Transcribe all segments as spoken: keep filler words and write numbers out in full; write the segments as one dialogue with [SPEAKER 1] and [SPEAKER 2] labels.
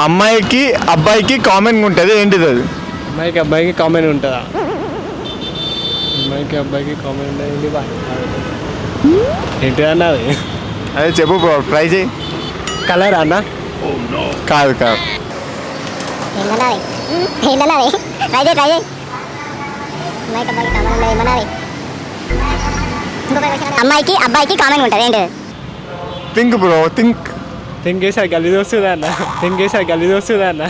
[SPEAKER 1] అమ్మాయికి అబ్బాయికి కామన్గా ఉంటుంది, ఏంటిది అది?
[SPEAKER 2] అమ్మాయికి అబ్బాయికి కామన్ ఉంటుందా? అమ్మాయికి అబ్బాయికి కామన్ ఉంటుంది ఏంటి అన్న అది?
[SPEAKER 1] అదే చెప్పు బ్రో, ట్రై చేయి.
[SPEAKER 2] కలర్ అన్న?
[SPEAKER 1] కాదు కాదు.
[SPEAKER 3] అమ్మాయికి అబ్బాయికి కామన్ ఉంటుంది ఏంటి?
[SPEAKER 1] Think bro, think.
[SPEAKER 2] తెంగేసా గలీజ్ వస్తుందా అన్న? తెంగేసా గలీజ్ వస్తుందా అన్న?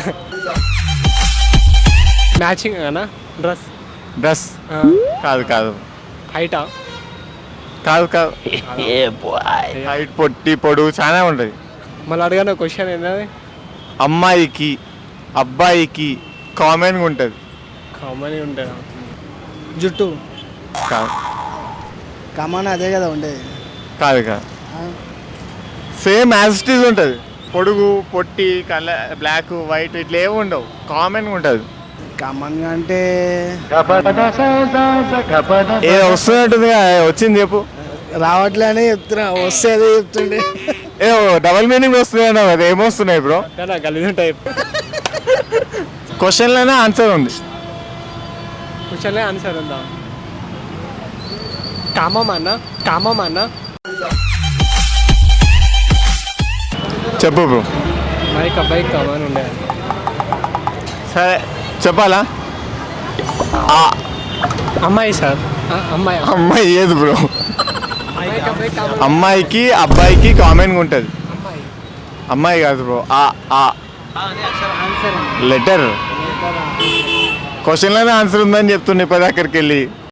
[SPEAKER 2] మ్యాచింగ్ అన్న డ్రెస్?
[SPEAKER 1] డ్రెస్ కాదు కాదు.
[SPEAKER 2] హైటా?
[SPEAKER 1] కాదు కాదు. హైట్, పొట్టి, పొడుగు చాలా ఉంటుంది.
[SPEAKER 2] మళ్ళీ అడగన క్వశ్చన్ ఏంటది?
[SPEAKER 1] అమ్మాయికి అబ్బాయికి కామన్గా ఉంటుంది.
[SPEAKER 2] కామన్ ఉంటుందా?
[SPEAKER 4] జుట్టు
[SPEAKER 1] కాదు
[SPEAKER 4] కమాన్ అదే కదా ఉండేది.
[SPEAKER 1] కాదు కాదు. సేమ్ యాజ్ ఇట్ ఈజ్ ఉంటుంది. పొడుగు, పొట్టి, కలర్, బ్లాక్, వైట్ ఇట్లా ఏమి ఉండవు, కామన్గా ఉంటుంది.
[SPEAKER 4] కమాన్గా అంటే
[SPEAKER 1] ఏ వస్తున్నట్టుంది, వచ్చింది చెప్పు.
[SPEAKER 4] రావట్లే అని చెప్తున్నా, వస్తే అదే చెప్తుండే.
[SPEAKER 1] ఏ డబల్ మీనింగ్ వస్తున్నాయి కదా, ఏమొస్తున్నాయి బ్రో?
[SPEAKER 2] గలీజ్ ఉంటాయి.
[SPEAKER 1] క్వశ్చన్లోనే ఆన్సర్ ఉంది.
[SPEAKER 2] క్వశ్చన్లే ఆన్సర్ ఉందా? కామం అన్న? కామం అన్న?
[SPEAKER 1] చెప్పు బ్రో.
[SPEAKER 2] అమ్మాయికి అబ్బాయికి కామన్ ఉండేది.
[SPEAKER 1] సరే చెప్పాలా?
[SPEAKER 2] అమ్మాయి సార్. అమ్మాయి
[SPEAKER 1] అమ్మాయి ఏది బ్రో?
[SPEAKER 2] అమ్మాయికి అబ్బాయికి కామన్.
[SPEAKER 1] అమ్మాయికి అబ్బాయికి కామన్గా ఉంటుంది. అమ్మాయి కాదు బ్రో, ఆ ఆ లెటర్. క్వశ్చన్లోనే ఆన్సర్ ఉందని చెప్తుండే పది అక్కడికి వెళ్ళి.